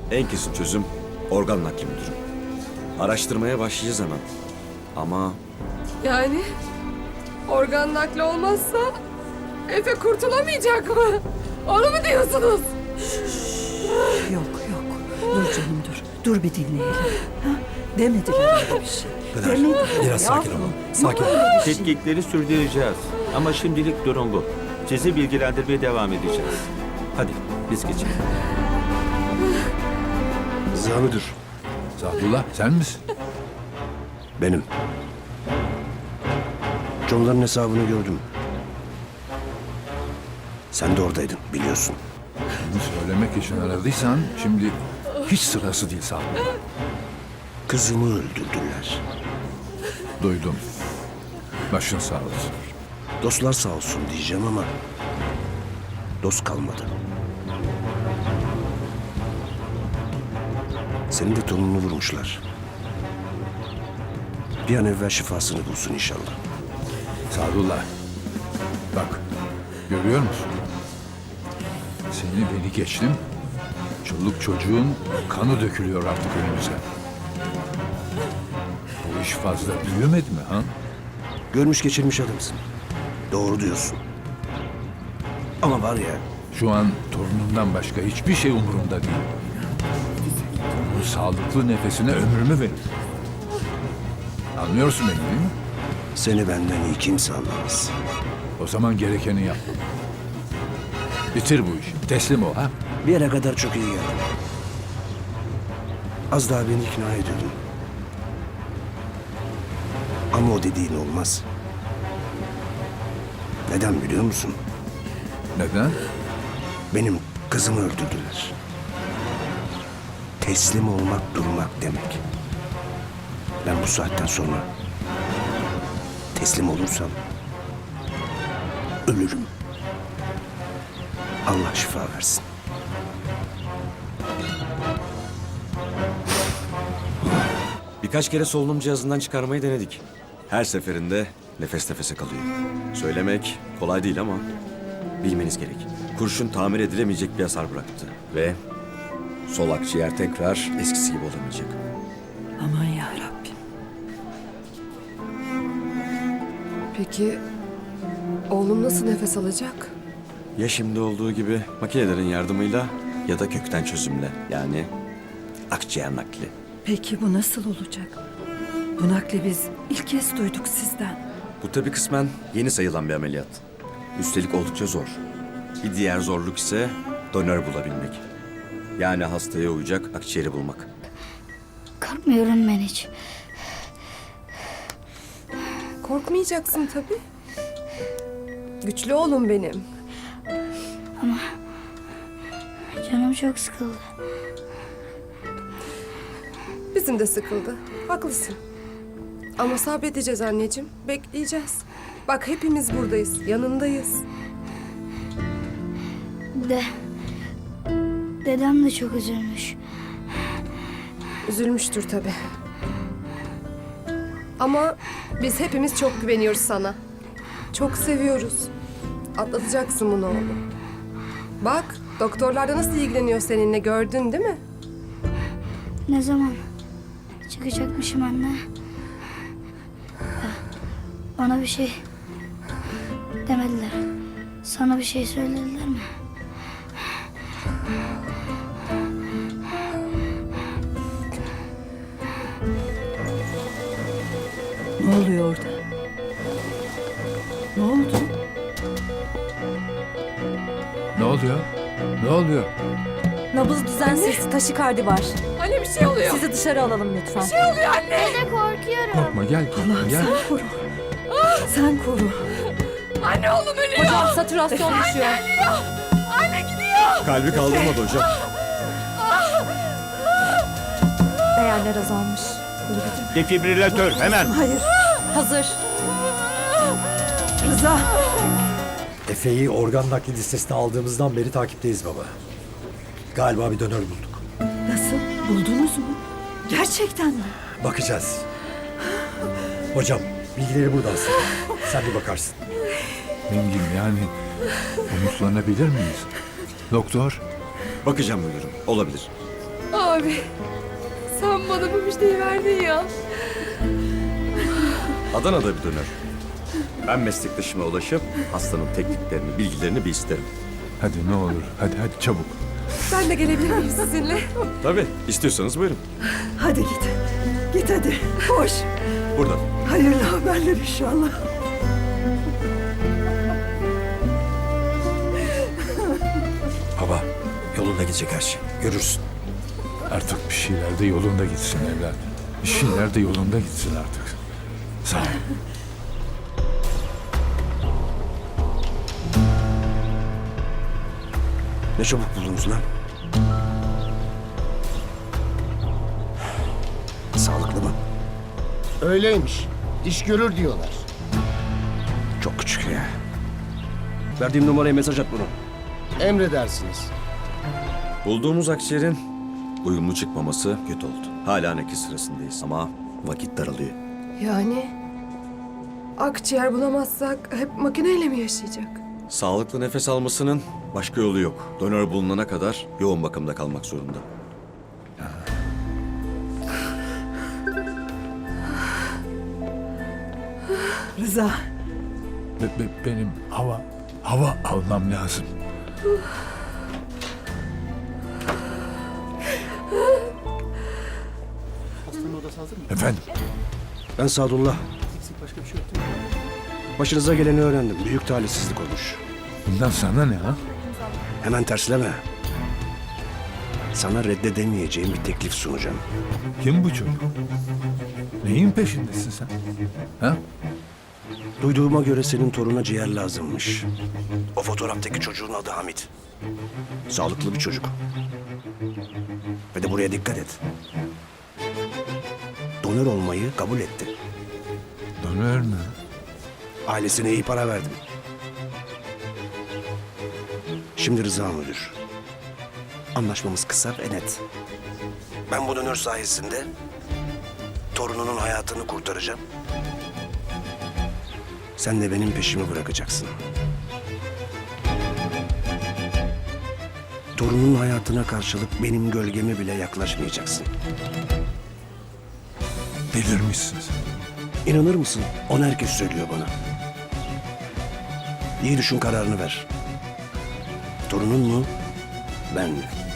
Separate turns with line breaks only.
En kesin çözüm organ nakli müdürüm. Araştırmaya başlayacağız hemen. Ama
Yani organ nakli olmazsa Efe kurtulamayacak mı? Onu mu diyorsunuz?
Yok yok. Dur canım dur. Dur bir dinleyelim. Ha? Demediler öyle bir şey. Demediler.
Biraz sakin
yavrum.
olun. Sakin olun.
Tetkikleri sürdüreceğiz. Ama şimdilik durum bu. Sizi bilgilendirmeye devam edeceğiz. Hadi biz geçelim.
Rıza müdür,
Sadullah sen misin?
benim. Comların hesabını gördüm. Sen de oradaydın, biliyorsun.
Bunu söylemek için aradıysan şimdi hiç sırası değil Sadullah.
Kızımı öldürdüler.
Duydum. Başın sağ olsun.
Dostlar sağ olsun diyeceğim ama dost kalmadı. Senin de torununu vurmuşlar. Bir an evvel şifasını bulsun inşallah.
Sadullah. Bak görüyor musun? Seni beni geçtim. Çoluk çocuğun kanı dökülüyor artık önümüze. Bu iş fazla büyümedi mi ha?
Görmüş geçirmiş adamsın. Doğru diyorsun. Ama var ya,
Şu an torunumdan başka hiçbir şey umurumda değil. Bu sağlıklı nefesine ömrümü verin. Anlıyorsun beni değil mi?
seni benden iyi kimse anlamaz.
O zaman gerekeni yap. Bitir bu işi. Teslim ol ha.
Bir yere kadar çok iyi geldim. Az daha beni ikna ediyordun. Ama o dediğin olmaz. Neden biliyor musun?
Neden?
Benim kızımı öldürdüler. Teslim olmak durmak demek. Ben bu saatten sonra teslim olursam ölürüm. Allah şifa versin.
birkaç kere solunum cihazından çıkarmayı denedik. Her seferinde nefes nefese kalıyor. Söylemek kolay değil ama bilmeniz gerek. Kurşun tamir edilemeyecek bir hasar bıraktı. Ve sol akciğer tekrar eskisi gibi olamayacak.
Aman ya Rabbim.
Peki oğlum nasıl nefes alacak?
Ya şimdi olduğu gibi makinelerin yardımıyla ya da kökten çözümle. Yani akciğer nakli.
Peki bu nasıl olacak? Bu nakli biz ilk kez duyduk sizden.
Bu tabii kısmen yeni sayılan bir ameliyat. Üstelik oldukça zor. Bir diğer zorluk ise donör bulabilmek. Yani hastaya uyacak akciğeri bulmak.
Korkmuyorum ben hiç.
Korkmayacaksın tabii. Güçlü oğlum benim.
Canım çok sıkıldı.
Bizim de sıkıldı. Haklısın. Ama sabredeceğiz anneciğim. Bekleyeceğiz. Bak hepimiz buradayız. Yanındayız.
Dedem de çok üzülmüş.
Üzülmüştür tabii. Ama biz hepimiz çok güveniyoruz sana. Çok seviyoruz. Atlatacaksın bunu oğlum. Bak doktorlar da nasıl ilgileniyor seninle gördün değil mi?
Ne zaman çıkacakmışım anne? Bana bir şey demediler. Sana bir şey söylediler mi?
Ne oluyor orada? Ne oldu?
Ne oluyor? Ne oluyor?
Nabız düzensiz, taşikardi var.
Anne bir şey oluyor.
Sizi dışarı alalım lütfen.
Dede korkuyorum.
Korkma gel.
Allah'ım
Gel.
sen koru. Sen koru.
Anne oğlum ölüyor.
Hocam satürasyon düşüyor.
Anne gidiyor.
Kalbi kaldırmadı hocam.
Değerler azalmış.
Defibrilatör hemen.
Hayır.
Hazır.
Rıza.
Efe'yi organ nakli listesine aldığımızdan beri takipteyiz baba. Galiba bir donör bulduk.
Nasıl? Buldunuz mu? Gerçekten mi?
Bakacağız. Hocam bilgileri burada aslında. Sen bir bakarsın.
Engin yani umutlanabilir miyiz? Doktor
Bakacağım müdürüm. Olabilir.
Abi sen bana bu müjdeyi verdin ya.
Adana'da bir döner. Ben meslektaşıma ulaşıp hastanın tekniklerini, bilgilerini bir isterim.
Hadi ne olur. Hadi çabuk.
Ben de gelebilir miyim sizinle?
Tabii, istiyorsanız buyurun.
Hadi git. Git hadi. Koş.
Buradan.
Hayırlı haberler inşallah.
Baba yolunda gidecek her şey. Görürsün.
Artık bir şeyler de yolunda gitsin evlat. Bir şeyler de yolunda gitsin artık. Sağ ol.
Ne çabuk buldunuz lan. Sağlıklı mı?
Öyleymiş. İş görür diyorlar.
Çok küçük ya. Verdiğim numaraya mesaj at bunu.
Emredersiniz.
Bulduğumuz akciğerin uyumlu çıkmaması kötü oldu. Hala nakil sırasındayız ama vakit daralıyor.
Yani akciğer bulamazsak hep makineyle mi yaşayacak?
Sağlıklı nefes almasının başka yolu yok. Donör bulunana kadar yoğun bakımda kalmak zorunda.
Rıza.
Benim hava almam lazım. Efendim,
Ben Sadullah. Başınıza geleni öğrendim. Büyük talihsizlik olmuş.
bundan sana ne ha?
Hemen tersleme. Sana reddedemeyeceğim bir teklif sunacağım.
Kim bu çocuk? Neyin peşindesin sen? Ha?
Duyduğuma göre senin toruna ciğer lazımmış. O fotoğraftaki çocuğun adı Hamit. Sağlıklı bir çocuk. Ve de buraya dikkat et. Donör olmayı kabul etti.
Donör mü?
Ailesine iyi para verdim. Şimdi Rıza müdür. Anlaşmamız kısa ve net. Ben bu donör sayesinde torununun hayatını kurtaracağım. Sen de benim peşimi bırakacaksın. Torunun hayatına karşılık benim gölgeme bile yaklaşmayacaksın.
Delirmişsin sen.
İnanır mısın? Onu herkes söylüyor bana. İyi düşün, kararını ver. Torunun mu? Ben mi?